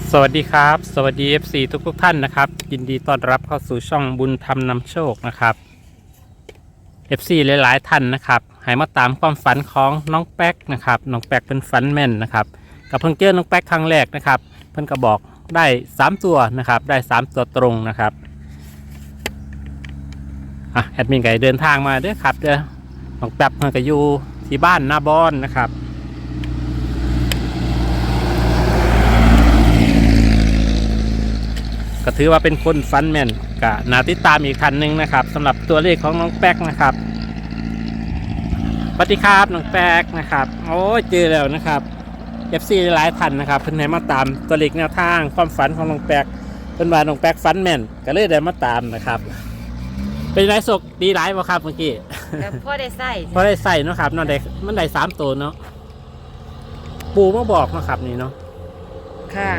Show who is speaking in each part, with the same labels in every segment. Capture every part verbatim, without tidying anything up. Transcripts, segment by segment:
Speaker 1: สวัสดีครับสวัสดี เอฟ ซี ทุกทุกท่านนะครับยินดีต้อนรับเข้าสู่ช่องบุญธรรมนำโชคนะครับ เอฟ ซี หลายๆท่านนะครับให้มาตามความฝันของน้องแป๊กนะครับน้องแป๊กเป็นฝันแม่นนะครับกับเพิ่งเจอน้องแป๊กครั้งแรกนะครับเพิ่นก็บอกได้สามตัวนะครับได้สามตัวตรงนะครับอ่ะแอดมินไก่เดินทางมาเด้อครับเด้อน้องแป๊กเพิ่นก็อยู่ที่บ้านนาบอนนะครับก็ถือว่าเป็นคนฟันแม่นก็น่าติดตามอีกคันหนึ่งนะครับสำหรับตัวเลขของน้องแป๊กนะครับสวัสดีครับน้องแป๊กนะครับโอ้เจอแล้วนะครับ เอฟ ซี หลายท่านนะครับเพิ่นให้มาตามตัวเลขแนวทางความฝันของน้องแป๊กเพิ่นว่าน้องแป๊กฝันแม่นก็เลยได้มาตามนะครับเป็นไรสกดีหลายบ่ครับเมื่อกี้
Speaker 2: แต่พ่อได้ใส่
Speaker 1: พอได้ใส่เนาะครับเนาะได้มันได้สามตัวเนาะปูมาบอกเนาะครับนี่เนาะ
Speaker 2: ค่ะ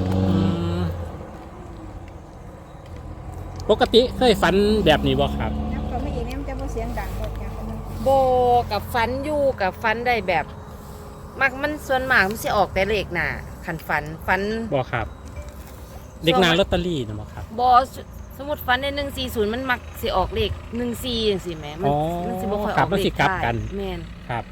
Speaker 1: ปกติเคยฝันแบบนี้บ่ครับ
Speaker 3: น้ำก็ไม่อีกเนี่ยมันจะบ่เสียงดังหมดอย่างมัน
Speaker 2: โบกับฟันอยู่กับฟันได้แบบมักมันส่วนมากมันสิออกแต่เลขหน้าขันฟันฟัน
Speaker 1: บ่ครับเด็กนางลอตเตอรี่นะบ่ครับ
Speaker 2: บอสมมติฟันในหนึ่งสี่ศูนย์มันมักสิออกเลขหนึ่งสี่อย่างสิแม่มันมันสิบ่ค่อยออกเลขกลับกันแม่น
Speaker 1: ครับ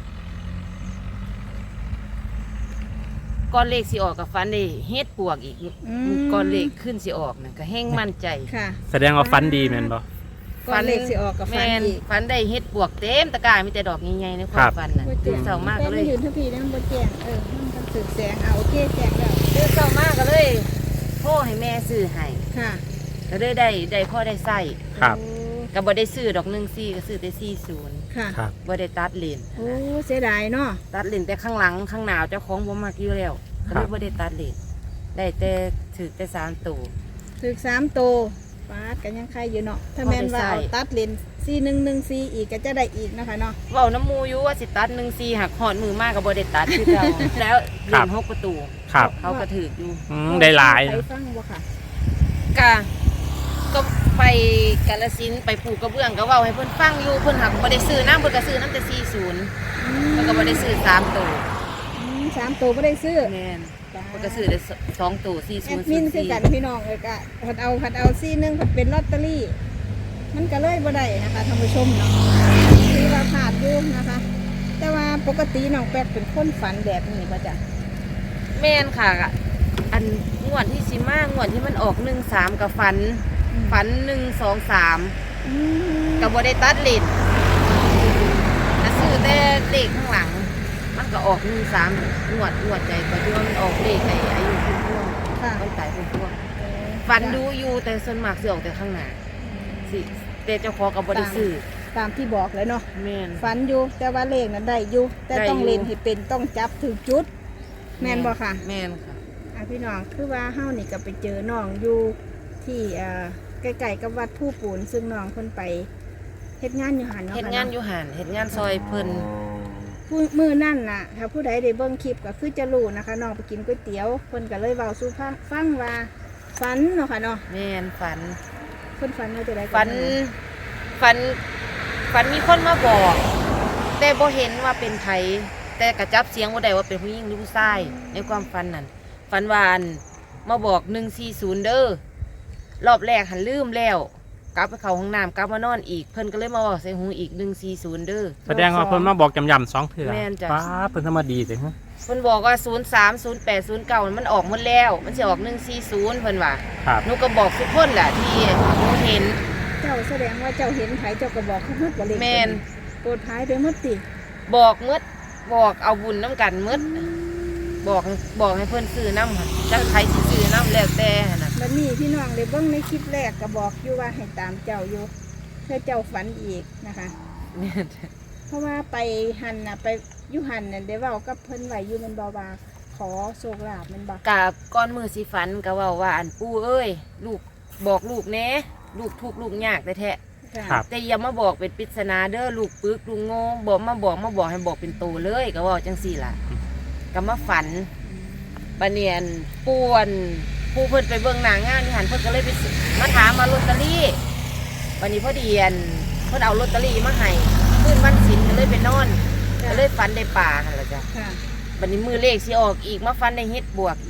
Speaker 2: ก้อนเลขสิออกกับฟันได้เฮ็ดปวกอีกก้อนเลขขึ้นสิออกน่ะก็แห้งมั่นใจ
Speaker 3: ค่ะ
Speaker 1: แสดงว่าฟันดีแม่นบ่
Speaker 3: ฟันเลขสิออกกับฟันอีก
Speaker 2: ฟันได้เฮ็ดปวกเต็มตะกร้ามีแต่ดอกใหญ่ๆในความฟันน่ะตื่นเช้ามากเลย
Speaker 3: ยืนทัพพีนั่นบ่แจ้งเออมันสึกแสงเอาโอเคแจ้งแล้ว
Speaker 2: ตื่นเช้ามากก็เลยโทรให้แม่ซื้อให้
Speaker 3: ค่ะ
Speaker 2: ก็ได้ได้ได้พ่อได้ใส่
Speaker 1: ครับ
Speaker 2: ก็บ่ได้ซื้อดอกหนึ่งสี่ก็ซื้อแต่สี่ศูนย์
Speaker 3: ค่ะ
Speaker 2: บ่ได้ตัดเลน
Speaker 3: โอ้เสียดายเนาะ
Speaker 2: ตัดเลนแต่ข้างหลังข้างหน้าเจ้าของบ่มักอยู่แล้วก็เลยบ่ได้ตัดเลนได้แต่ถือแต่สามตัว
Speaker 3: ถือสามตัวฟาดกันยังใครอยู่เนาะถ้าแม่นว่าเอาตัดเลนสี่หนึ่งหนึ่งสี่อีกก็จะได้อีกนะคะเนาะ
Speaker 2: เว้าน้ำมูอยู่ว่าสิตัดหนึ่งสี่หักหอดมือมากก็บ่ได้ตัดคือเก่าแล้วเลนหกประตูเขาก็ถืออยู่
Speaker 1: ได้หลาย
Speaker 3: ไปฟังบ่ค่ะ
Speaker 2: ก็ก็ไปกาฬสินธุ์ไปปลูกกระเบื้องก็เว้าให้เพิ่นฟังอยู่เพิ่นหักบ่ได้ซื้อน้ำเพิ่นก็ซื้อน้ำแต่สี่ศูนย์เพิ่นก็บ่ได้ซื้อสามตัว
Speaker 3: สามตัวไม่ได้ซื้อ
Speaker 2: แม่นมันก็ซื้อได้สองตัวสี่ศูนย์
Speaker 3: มินคือกันพี่น้องเลยกะผัดเอาผัดเอาซี่นึงผัดเป็นลอตเตอรี่มันก็เลยบ่ได้นะคะท่านผู้ชมเนาะคือว่าขาดอยู่นะคะแต่ว่าปกติน้องแป๊กเป็นคนฝันแบบนี้ป่ะจ๊ะ
Speaker 2: แม่นค่ะอันงวดที่สิมางวดที่มันออกหนึ่งสามกับฝันฝันหนึ่งสองสามกับบ่ได้ตัดเลนจะซื้อแต่เลขข้างหลังมันก็ออกหนึ่งสามงวดงวดใจก็ที่ว่ามันออกเลขในอายุพุ่งพวงต้องตายพุ่งพวงฟันดูอยู่แต่ส่วนมากสิออกแต่ข้างหน้าสิแต่เจ้าของกับบริสุทธิ์
Speaker 3: ตามที่บอกเลยเนาะ
Speaker 2: แม่น
Speaker 3: ฟันอยู่แต่ว่าเลขนั้นได้อยู่แต่ต้องเล่นให้เป็นต้องจับถึงจุดแม่นบ่ค่ะ
Speaker 2: แม่นค่ะ
Speaker 3: อ่ะพี่น้องคือว่าเฮานี่ก็ไปเจอน้องอยู่ที่อ่าใกล้ๆกับวัดผู้ปูนซึ่งน้องเพิ่นไปเฮ็ดงานอยู่หันเนาะ
Speaker 2: เฮ็ดงานอยู่หันเฮ็ดงานซอยเพิ่น
Speaker 3: ผู้มือนั่นน่ะถ้าผู้ใดได้เบิ่งคลิปก็คือจะรู้นะคะน้องไปกินก๋วยเตี๋ยวเพิ่นก็เลยเว้าสู่ฟังว่าฝันเนาะค่ะเนาะ
Speaker 2: แม่นฝัน
Speaker 3: เพิ่นฝันว่าจะได้
Speaker 2: ฝันฝันฝันมีคนมาบอกแต่บ่เห็นว่าเป็นไผแต่กระจับเสียงบ่ได้ว่าเป็นผู้หญิงหรือผู้ชายในความฝันนั่นฝันว่าอันมาบอกหนึ่งสี่ศูนย์เด้อรอบแรกหันลืมแล้วกลับไปเข้าห้องน้ำกลับมานอนอีกเพิ่นก็เลยมาบอกใส่หูอีกหนึ่งสี่ศูนย์เด้อ
Speaker 1: แสดงว่าเพิ่นมาบอกจำยำสองเถื่อ
Speaker 2: แม่นจ้ะ
Speaker 1: ป้าเพิ่นทำมาดีเลยฮะ
Speaker 2: เพิ่นบอกว่าศูนย์สามศูนย์แปดศูนย์เก้ามันออกหมดแล้วมันจะออกหนึ่งสี่ศูนย์เพิ่นว่าหนูก็บอกทุกคนแหละที่หนูเห็น
Speaker 3: เจ้าแสดงว่าเจ้าเห็นไผเจ้าก็บอกเขาหมดบ่เลย
Speaker 2: แม่น
Speaker 3: โปรดท้ายไปหมดติ
Speaker 2: บอกหมดบอกเอาบุญน้ำกันหมดบอกบอกให้เพิ่นซื้อน้ำค่ะจักใครสิซื้อน้ำแล้วแต่น่ะ
Speaker 3: บัดนี้พี่น้องเลยเบิ่งในคลิปแรกก็บอกอยู่ว่าให้ตามเจ้าอยู่เพื่อเจ้าฝันอีกนะคะเพราะว่าไปหันน่ะไปยุหันน่ะได้เว้ากับเพิ่นไว้อยู่มันบ่ว่าขอโชคลาภมันบ่
Speaker 2: กะก้อนมือสิฝันก็เว้าว่าอันปู่เอ้ยลูกบอกลูกแน่ลูกทุกข์ลูกยากแท้ๆแต่อย่ามาบอกเป็นปริศนาเด้อลูกปึกลูกโง่บอกมาบอกมาบอกให้บอกเป็นโตเลยก็เว้าจังซี่ล่ะก็มาฝันบัดนี้อันป่วนปู่เพิ่นไปเบิ่งหน้างานอยู่หั่นเพิ่นก็เลยไปมาถามมาลอตเตอรี่วันนี้พอดีอันเพิ่นเอาลอตเตอรี่มาให้คืนวันศีลก็เลยไปนอนก็เลยฝันได้ป่าหั่นล่ะจ้ะบัดนี้มือเลขสิออกอีกมาฝันได้เฮ็ดบวกอีก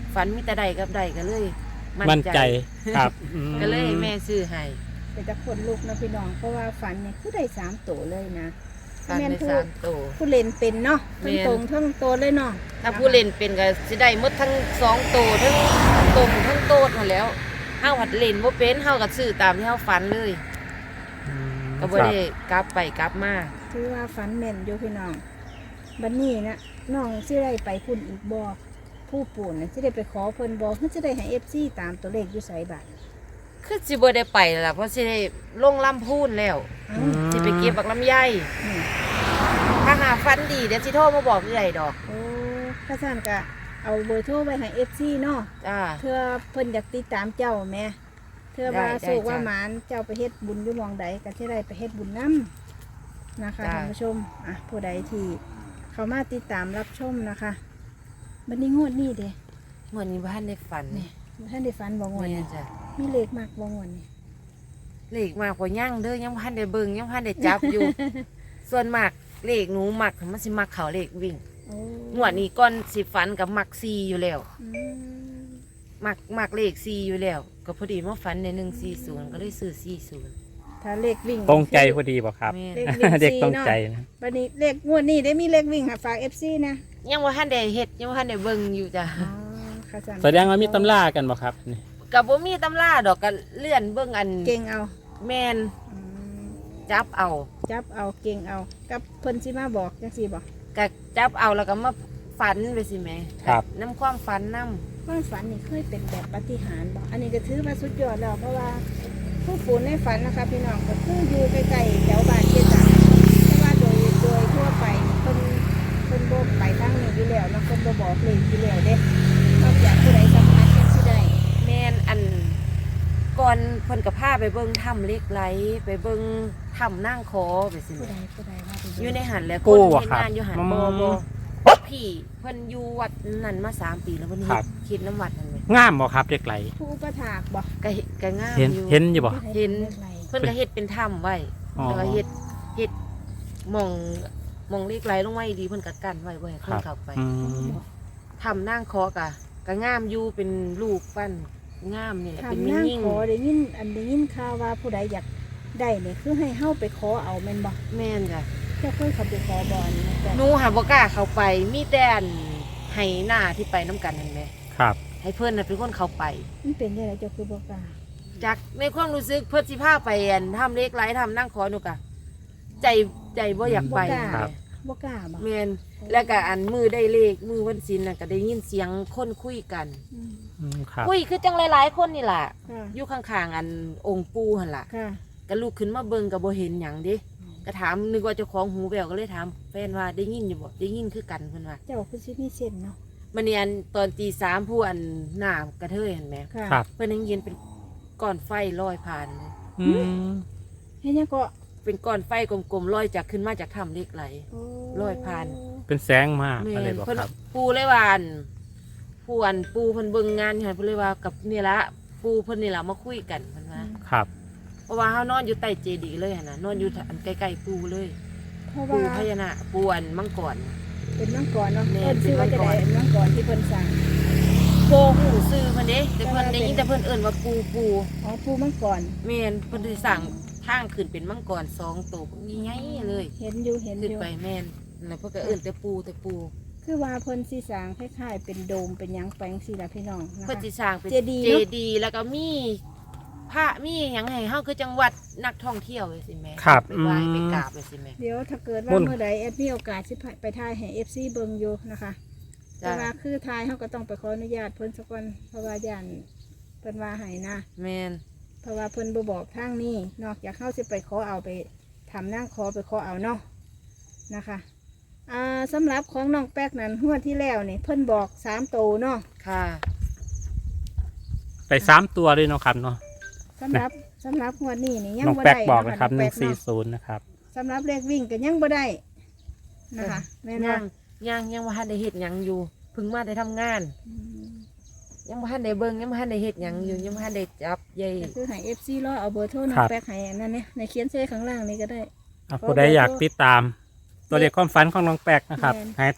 Speaker 2: ฝันมีแต่ใดกับใดก็เลย
Speaker 1: มั่นใจครับอืม
Speaker 2: ก็เลยให้แม่ซื้อให้
Speaker 3: เป็นตะคนลูกนะพี่น้องเพราะว่าฝันเนี่ยคือได้สามตัวเลยนะ
Speaker 2: ฝัน
Speaker 3: แม่น
Speaker 2: ได้
Speaker 3: ผู้
Speaker 2: สามโต
Speaker 3: ผู้เล่นเป็นเนาะ
Speaker 2: แม่
Speaker 3: ทั้ง
Speaker 2: น
Speaker 3: ตรงทั้งโตเลยเนาะ
Speaker 2: ถ้าผู้เล่นเป็นก็สิได้หมดทั้งสองโตทั้งตรงทั้งโตดมาแล้วเฮาหัดเล่นบ่เป็นเฮาก็ซื้อตามที่เฮาฝันเลย
Speaker 1: อืม
Speaker 2: ก็บ่ได้กลับไปกลับมา
Speaker 3: ถือว่าฝันแม่นอยู่พี่น้องบัดนี้นะน้องสิได้ไปพุ่นอีกบ่ผู้ปู่น่ะสิได้ไปขอเพิ่นบ่เพิ่นสิได้ให้ เอฟ ซี ตามตัวเลขอยู่ไสบัด
Speaker 2: คือสิบ่ได้ไปแล้วล่ะเพราะสิได้ลงลำพูนแล้ว
Speaker 3: เอ้า
Speaker 2: สิไปเก็บบักลำไย
Speaker 3: อืม
Speaker 2: ถ้าหาฟันดีเดี๋ยวสิโทรมาบอกใหญ่ดอก
Speaker 3: โอ้ข้าซั่นก็เอาเบอร์โทรไว้ให้ เอฟ ซี เนาะ
Speaker 2: จ้า
Speaker 3: เพื่อเพิ่นอยากติดตามเจ้าแหม่เพื่อว่า
Speaker 2: ได้ได้
Speaker 3: สุกว่า
Speaker 2: จ้ะ
Speaker 3: หมานเจ้าไปเฮ็ดบุญอยู่หมองใดก็สิได้ไปเฮ็ดบุญนํนะคะ
Speaker 2: จ้ะ
Speaker 3: ท่านผู้ชมอ่ะผู้ใดที่เข้ามาติดตามรับชมนะคะบัดนี้งวดนี้เด้
Speaker 2: เหมือนนี้บ้านในฝัน
Speaker 3: นี่
Speaker 2: นี่
Speaker 3: ท่านได้ฝันบ่งวด
Speaker 2: แม่
Speaker 3: นี้
Speaker 2: จ้ะ
Speaker 3: มีเลขมากบ่งวดนี้
Speaker 2: เลขมากกว่าย่างเด้อยังพันได้เบิ่งยังพันได้จับ อยู่ ส่วนมากเลขหนูมักมันสิมักเขาเลขวิ่ง
Speaker 3: โอ้
Speaker 2: งวดนี้ก่อนสิฝันกับมักซีอยู่แล้ว
Speaker 3: อืม
Speaker 2: มักมักเลขซีอยู่แล้ว ก็พอดีมาฝันในหนึ่งสี่ศูนย์ก็เลยซื้อสี่ศูนย์
Speaker 3: ถ้าเลขวิ่ง
Speaker 1: ตรงใจพอดีบ่ครับ
Speaker 2: แม่
Speaker 3: เลขวิ่ง
Speaker 1: เด็ก
Speaker 3: สี่
Speaker 1: ตรง
Speaker 3: เนาะ
Speaker 1: ใจนะ
Speaker 3: บัดนี้เลขงวดนี้ได้มีเลขวิ่งค่ะฝาก เอฟ ซี นะ
Speaker 2: ยังว่าทันได้เฮ็ดยังว่าทันได้เบิ่งอยู่จ้ะ
Speaker 3: อ๋อค่ะจัน
Speaker 1: แสดงว่ามีตำรากันบ่ครับนี่
Speaker 2: กับบ่มีตำราดอกก็เลื่อนเบิ่งอัน
Speaker 3: เก่งเอา
Speaker 2: แม่น
Speaker 3: อืม
Speaker 2: จับเอา
Speaker 3: จับเอาเก่งเอากับเพิ่นสิมาบอกจังซี่บ่
Speaker 2: ก็จับเอาแล้วก็มาฝันไปสิแม่
Speaker 1: ครับ
Speaker 2: น้ำความฝันน้
Speaker 3: ความฝันนี่เคยเป็นแบบปาฏิหาริย์บ่อันนี้ก็ถือว่าสุดยอดแล้วเพราะว่าผู้ฝูนในฝันนะคะพี่น้องก็คืออยู่ใกล้ๆแถวบ้านเจตังเพราะว่าโดยโดยทั่วไปเพิ่นเพิ่นบ่ไปทางนี้อยู่แล้วเนาะเพิ่นบ่บอกเลยอยู่แล้วเด้นอกจากผู้ใดสัมผัสจังสิได้
Speaker 2: ำแม่นอันก่อนเพิ่นก็พาไปเบิ่งถ้ำเหล็กไหลไปเบิ่งถ้ำนั่งคอไปสิ
Speaker 3: ผู้
Speaker 2: แม่
Speaker 3: ใดผู้ใดว่าไป
Speaker 2: อยู่ในหันแหล้ว
Speaker 1: กู้
Speaker 2: คน
Speaker 1: บ่
Speaker 2: เฮ็ด
Speaker 1: ครับ
Speaker 2: งานอยู่หัน
Speaker 1: อืม
Speaker 2: บ่บ่พี่เพิ่นอยู่วัดนั่นมาสามปีแล้วเพิ่น
Speaker 1: ครั
Speaker 2: เฮ็
Speaker 1: บ
Speaker 2: ดคิดน้ำวัดนั่นแหละ
Speaker 1: งามบ่ครับเด็กไหล
Speaker 3: ผู้อุปถากบ่
Speaker 2: ก็เฮ็ดก็งาม
Speaker 1: เห็น
Speaker 2: อยู่
Speaker 1: เห็นอยู่บ่
Speaker 3: ผู้ใด
Speaker 2: เห็น
Speaker 3: ทำอะไร
Speaker 2: เพิ่นก็เฮ็ดเป็นถ้ำไว้
Speaker 1: อ๋อ
Speaker 2: แล้วก็เฮ็ดเฮ็ดหม่องหม่องเหล็กไหลลงไว้ดีเพิ่นก็กั้นไว้บ่ให้คนเข้าไป
Speaker 1: อืม
Speaker 2: ถ้ำนั่งคอกะก็งามอยู่เป็นลูกปั้นงามนี่แหละเป็น
Speaker 3: ทำ
Speaker 2: มิ่
Speaker 3: นั่ง
Speaker 2: ยิ่ง
Speaker 3: ขอได้ยินอันได้ยินข่าวว่าผู้ใดอยากได้เนี่ยคือให้เฮาไปขอเอาแม่นบ่
Speaker 2: แม่นจ้ะ
Speaker 3: เจ้าเคยเข้าไปขอบ่อนนะแต่
Speaker 2: หนูหาบ่กล้าเข้าไปมีแต่อันให้หน้าที่ไปน้ำกันนั่นแหละ
Speaker 1: ครับ
Speaker 2: ให้เพื่อนน่ะเป็นคนเข้าไป
Speaker 3: มันเป็นยังไงเจ้าคือบ่กล้า
Speaker 2: จากในความรู้สึกเพื่อนสิพาไปอันทำเล็กไรทำนั่งขอหนูกะใจใจบ่อยากไป
Speaker 1: ครับ
Speaker 3: บ่กล้าบ่
Speaker 2: แม่นแล้วก็อันมือได้เลขมือวันศิลน่ะก็ได้ยินเสียงคนคุยกัน
Speaker 3: อืม
Speaker 1: อืมครับ
Speaker 2: คุยคือจังหลายๆคนนี่ล่ะ
Speaker 3: ค่ะ
Speaker 2: อยู่ข้างๆอันองค์ปู่หั่นล่ะ
Speaker 3: ค่ะ
Speaker 2: ก็ลุกขึ้นมาเบิ่งก็บ่เห็นหยังเดิก็ถามนึกว่าเจ้าของหูแววก็เลยถามแฟนว่าได้ยินอยู่บ่ได้ยินคือกันเพิ่นว่า
Speaker 3: เจ้าคือสิมีเส้นเนาะ
Speaker 2: มันนี่อันตอนตีสามผู้อันหน้ากระเทยเห็นไหม
Speaker 3: ค่ะ
Speaker 1: ครับ
Speaker 2: เพิ่นยังเย็นเป็นก้อนไฟลอยผ่านเลย
Speaker 1: อืม
Speaker 3: เฮ็ดหยังก็
Speaker 2: เป็นก้อนไฟกลมๆลอยจากขึ้นมาจากถ้ำเหล็กไหล
Speaker 3: โอ้
Speaker 2: ร้อยพัน
Speaker 1: เป็นแสงมาก
Speaker 2: แม่
Speaker 1: อะไร
Speaker 2: น
Speaker 1: บ่
Speaker 2: เพิ่น
Speaker 1: ครับ
Speaker 2: ปูเลยว่าอันผู้อันปูเพิ่นเบิ่งงานอยู่หั่นเพิ่นเลยว่ากับนี่ละปูเพิ่นนี่ละมาคุยกันเพิ่นว่า
Speaker 1: ครับ
Speaker 2: เพราะว่าเฮานอนอยู่ใต้เจดีย์เลยหั่นน่ะนอนอยู่อันใกล้ๆปูเลย
Speaker 3: เพราะ
Speaker 2: ปู
Speaker 3: ว่า
Speaker 2: พญานาคปูอันมังกร
Speaker 3: เป็นมังกรเนาะ
Speaker 2: แม่
Speaker 3: เพิ่นชื่อว่าจะได้
Speaker 2: เป็นมังกร
Speaker 3: มังกรที่เพิ่นสั่ง
Speaker 2: โบหูซื้อเพิ่นเด้แต่เพิ่นได้ยินแต่เพิ่นเอิ้นว่าปูปู
Speaker 3: อ๋อปูมังกร
Speaker 2: แม่นเพิ่นสิสั่งทางขึ้นเป็นมังกรสองตัวใหญ่ๆเลย
Speaker 3: เห็นอยู่เห็นอ
Speaker 2: ขึ้น
Speaker 3: ยู่
Speaker 2: ไปแม่นแล้วเพิ่นก็เอิ้นแต่ปูแต่ปู
Speaker 3: คือว่าเพิ่นสิสร้างคล้ายๆเป็นโดมเป็นหยังแปลงสิล่ะพี่น้องนะ
Speaker 2: เพิ่น
Speaker 3: คะ
Speaker 2: สิสร้างเป็น
Speaker 3: เจดีย์
Speaker 2: เจ
Speaker 3: เนอะ
Speaker 2: ดีย์แล้วก็มีพระมีหยังให้เฮาคือจังหวัดนักท่องเที่ยวเลยสิแม่
Speaker 1: ครับ
Speaker 2: ไปไหว้
Speaker 1: อืม
Speaker 2: ไปกราบเลยสิแม่
Speaker 3: เดี๋ยวถ้าเกิด
Speaker 1: มุ่
Speaker 3: ว่าน เมื่อใดแอดมีโอกาสสิไปถ่ายให้ เอฟ ซี เบิ่งอยู่นะคะ แต่
Speaker 2: จ้า
Speaker 3: ว่าคือถ่ายเฮาก็ต้องไปขออนุญาตเพิ่นสักก่อนเพราะว่าย่านเพิ่นว่าให้นะ
Speaker 2: แม่น
Speaker 3: เพราะว่าเพิ่นบ่บอกทางนี้นอกจากเฮาสิไปขอเอาไปทำนั่งขอไปขอเอาเนาะนะคะอ่าสำหรับของน้องแป๊กนั้นหัวดที่แล้วนี่เพิ่นบอกสามโตวเนาะ
Speaker 2: ค่ะ
Speaker 1: ไปสามตัวเลยเนาะครับเนาะ
Speaker 3: สำหรับสำหรับหัวดนี้นี่ยัง
Speaker 1: น้อง
Speaker 3: บ่
Speaker 1: แป๊ก
Speaker 3: ได้
Speaker 1: บอก
Speaker 3: เนาะ
Speaker 1: นะครับ
Speaker 3: น้
Speaker 1: ห
Speaker 3: อง
Speaker 1: นึ่
Speaker 3: แป๊
Speaker 1: ง
Speaker 3: ก
Speaker 1: สี่
Speaker 3: เนาะ
Speaker 1: ศูนย์นะครับ
Speaker 3: สำหรับเลขวิ่งก็ยังบ่ได้นะคะแม่น
Speaker 2: ยั
Speaker 3: ว่าง
Speaker 2: ยังยังบ่ทันได้เฮ็ดหยังอยู่เพิ่งมาได้ทำงาน
Speaker 3: อืม
Speaker 2: ยังบ่ทันได้เบิ่งยังบ่ทันได้เฮ็ดหยังอยู่ยังบ่ทันได้จับใย
Speaker 3: ก็คือให้ เอฟ ซี รอเอาเบอร์โทรน้อ
Speaker 1: ครั
Speaker 3: ง
Speaker 1: บ
Speaker 3: แป๊กให้อันนั้นเนี่ยในเขียนเส้ข้างล่างนี่ก็ได้
Speaker 1: อ่ะผู้ใดอยากติดตาม ตัวเลขความฝันของน้องแป๊กนะครับ
Speaker 3: แม่น
Speaker 1: ให้โทร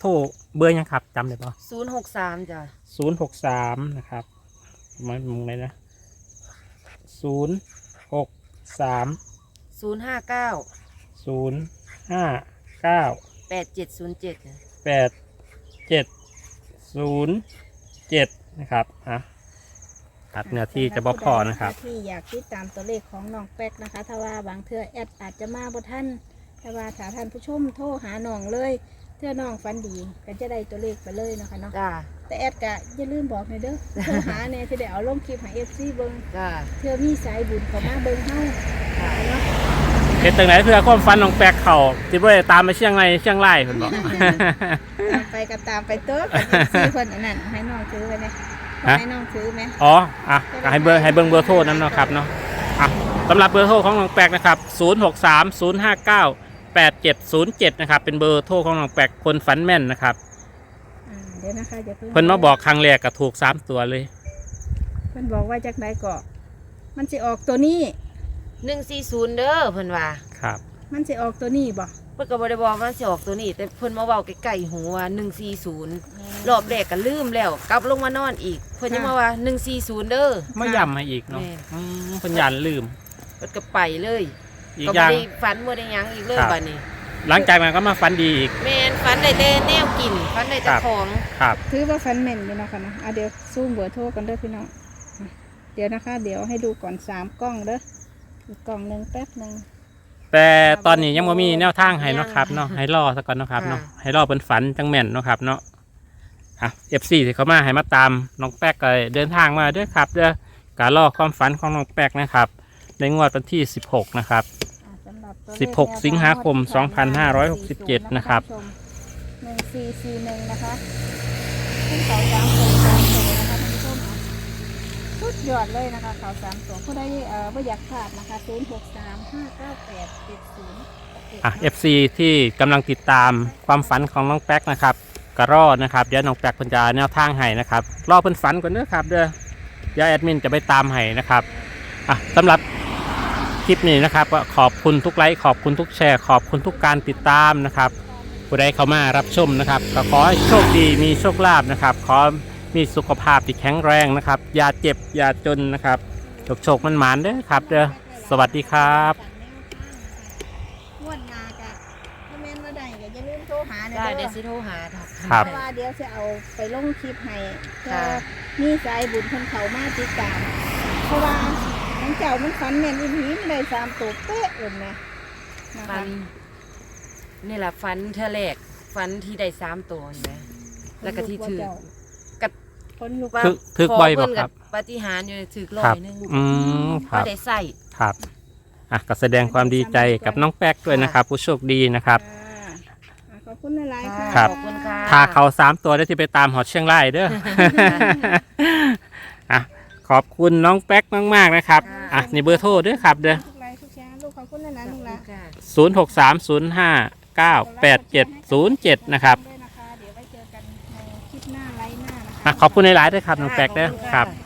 Speaker 1: เบอร์ยังครับจำได้ปะ
Speaker 2: ศูนย์หกสามจ้ะ
Speaker 1: ศูนย์หกสามนะครับมันมึงเลยนะศูนย์หกสาม
Speaker 2: ศูนย์ห้าเก้า
Speaker 1: ศูนย์ห้าเก้า
Speaker 2: แปดเจ็ดศูนย์เจ็ด
Speaker 1: แปดเจ็ดศูนย์เจ็ดนะครับอ่ะครับเนื้อที่จะบ่พอนะครับ
Speaker 3: ที่อยากติดตามตัวเลขของน้องแป๊กนะคะ ถ้าว่าบางเทื่อแอดอาจจะมาบ่ท่านถ้าว่าถ้าท่านผู้ชมโทรหาน้องเลยเทื่อน้องฟันดีก็จะได้ตัวเลขไปเลยเนาะคะเนาะ
Speaker 2: จ้า
Speaker 3: แต่แอดกะอย่าลืมบอกหน่อยเด้อโทรหาเนี่ยที่ได้เอาลงคลิปให้เอฟซีเบิ้ง
Speaker 2: จ้า
Speaker 3: เทื่อมีสายบุญเขามาเบิ้งเฮา
Speaker 2: จ้า
Speaker 3: เนาะ
Speaker 1: เฮ็ดจังไหนเพื่อความฝันของแปลกเขาที่บ่ได้ตามไปเชียงรายเชียงรายเพิ่นบอก
Speaker 3: ตามไปก็ตามไปเต้อกับเอฟซีคนอันนั้นให้น้องถือไว้เนี่ย
Speaker 1: ฮะ
Speaker 3: ให้น้องถือไหม
Speaker 1: อ๋ออ่ะก็ให้เบอร์ให้เบิ่งเบอร์โทรนั้นเนาะครับเนาะอ่ะสำหรับเบอร์โทรของน้องแปลกนะครับศูนย์หกสาม ศูนย์ห้าเก้า แปดเจ็ดศูนย์เจ็ดนะครับเป็นเบอร์โทรของน้องแปลกคนฝันแม่นนะครับ
Speaker 3: อ่าเดี๋ยวนะคะอย่าเพิ่ง
Speaker 1: เพิ่นมาบอกครั้งแรกก็ถูกสามตัวเลย
Speaker 3: เพิ่นบอกว่าจากไหนก็มันสิออกตัวนี้
Speaker 2: หนึ่งสี่ศูนย์เด้อเพิ่นว่า
Speaker 1: ครับ
Speaker 3: มันสิออกตัวนี้บ่
Speaker 2: เพิ่นก็บ่ได้บอกว่าสิออกตัวนี้ แต่เพิ่นมาเว้าใกล้ๆหูว่าหนึ่งสี่ศูนย์รอบแรกก็ลืมแล้วกลับลงมานอนอีก เพิ่นยังมาว่าหนึ่งสี่ศูนย์เด้อ
Speaker 1: ไม่ย้ำให้อีกเนาะ
Speaker 2: แม่
Speaker 1: อืมเพิ่นยันลืม
Speaker 2: เพิ่นก็ไปเลย
Speaker 1: อีก
Speaker 2: ก็
Speaker 1: อ
Speaker 2: บ่
Speaker 1: ย่าง
Speaker 2: ได้ฝันบ่ได้หยังอีกเลย
Speaker 1: ครับ
Speaker 2: บัดนี้
Speaker 1: หลังจากนั้นก็มาฝันดีอีก
Speaker 2: แม่นฝันได้แต่แนวกินฝันได้แต่
Speaker 1: ครับ
Speaker 2: ของ
Speaker 1: ครับ
Speaker 3: ถือว่าฟันแม่นอยู่เนาะค่ะเนาะอ่ะเดี๋ยวซูมเบอร์โทรกันเด้อพี่น้องอ่ะเดี๋ยวนะคะ เดี๋ยวให้ดูก่อนสามกล้องเด้ออีกกล่องหนึ่งแป๊บหนึ่ง
Speaker 1: แต่ตอนนี้ยังไม่มีแนวทางให้เนาะครับเนาะให้รอสักก่อนเนาะครับเนาะให้รอเป็นฝันจังแม่นเนาะครับเนาะอ่ะ เอฟ ซี ที่เขามาให้มาตามน้องแป๊กก็เดินทางมาเด้วยครับเด้อการรอความฝันของน้องแป๊กนะครับในงวดวันที่สิบหกนะครับ
Speaker 3: อ่ะสำหรับตัวเลข
Speaker 1: สิบหก สิงหาคม สองพันห้าร้อยหกสิบเจ็ด นะครับ
Speaker 3: หนึ่งสี่สี่หนึ่งนะคะขึ้นเขาสามตัวสามตัวนะคะท่านผู้ชมอ่ะสุดยอดเลยนะคะเขาสามตัวผู้ใดเอ่อไม่อยากพลาดนะคะศูนย์หกสามห้าเก้าแปดเจ็ดศูนย์
Speaker 1: อ่ะ เอฟ ซี ที่กำลังติดตามความฝันของน้องแป๊กนะครับก็รอนะครับเดี๋ยวน้องแป๊กเพิ่นจะแนวทางให้นะครับรอเพิ่นฝันก่อนเด้อครับเด้อเดี๋ยวแอดมินจะไปตามให้นะครับอ่ะสำหรับคลิปนี้นะครับก็ขอบคุณทุกไลค์ขอบคุณทุกแชร์ขอบคุณทุกการติดตามนะครับผู้ใดเข้ามารับชมนะครับก็ขอให้โชคดีมีโชคลาภนะครับขอมีสุขภาพที่แข็งแรงนะครับอย่าเจ็บอย่าจนนะครับโชคโชคมันหมานเด้อครับเด้อสวัสดีครับ
Speaker 3: งวดหนากะถ้าแม่นว่าได้ก็อย่าลืมโทรหาเด้
Speaker 2: ได้
Speaker 3: อ
Speaker 2: เดี๋ยวสิโทรหาค่ะ
Speaker 1: ครับ
Speaker 3: เพราะว่าเดี๋ยวจะเอาไปลงคลิปให้เพื่อ
Speaker 2: ค่ะ
Speaker 3: มีสายบุญคนเขามาติดตามเพราะว่าทั้งเจ้ามันฝันแม่นอีหลีมันได้สามตัวเป๊ะเลยนะนะ
Speaker 2: ฟั
Speaker 3: คะ
Speaker 2: นนี่แหละฟันเธอแรกฟันที่ได้สามตัวเห็นไหมแล้วก็ที่ถือ กับ
Speaker 3: คนลูก
Speaker 2: ว่า
Speaker 1: ถึกถึกบ่อยบ่
Speaker 2: ขเพิ่น
Speaker 1: ครับ
Speaker 2: ปาฏิหาริย์อยู่ถือร้อ
Speaker 1: ครับ
Speaker 2: ยหนึง
Speaker 1: อืมค
Speaker 2: ก็
Speaker 1: รับ
Speaker 2: ได้ใส่
Speaker 1: ครับอ่ะก็แสดงความดีใจกับน้องแป๊กด้วยนะครับ ผู้โชคดีนะครับ
Speaker 3: ค่ะอ่ะขอบคุณหลายๆค่ะ
Speaker 1: ครับ
Speaker 2: ขอบคุณค่ะ
Speaker 1: ถ้าเขาสามตัวได้ที่ไปตามหอดเชียงรายเด้อ อ่ะขอบคุณน้องแป๊กมากๆนะครับอ่ะนี่เบอร์โทรเด้อครับเด้อ
Speaker 3: ทุกไลค์ทุกแชร์ลูกขอบคุณหลายๆลูกหลาน
Speaker 2: ค่ะ
Speaker 1: ศูนย์หกสามศูนย์ห้าเก้าแปดเจ็ดศูนย์เจ็ดนะครับ
Speaker 3: ด้วยนะคะเดี๋ยวไว้เจอกันในคลิปหน้าไลฟ์หน้านะคะ
Speaker 1: อ่ะขอบคุณหลายๆด้วยครับน้องแป๊กเด้อครับ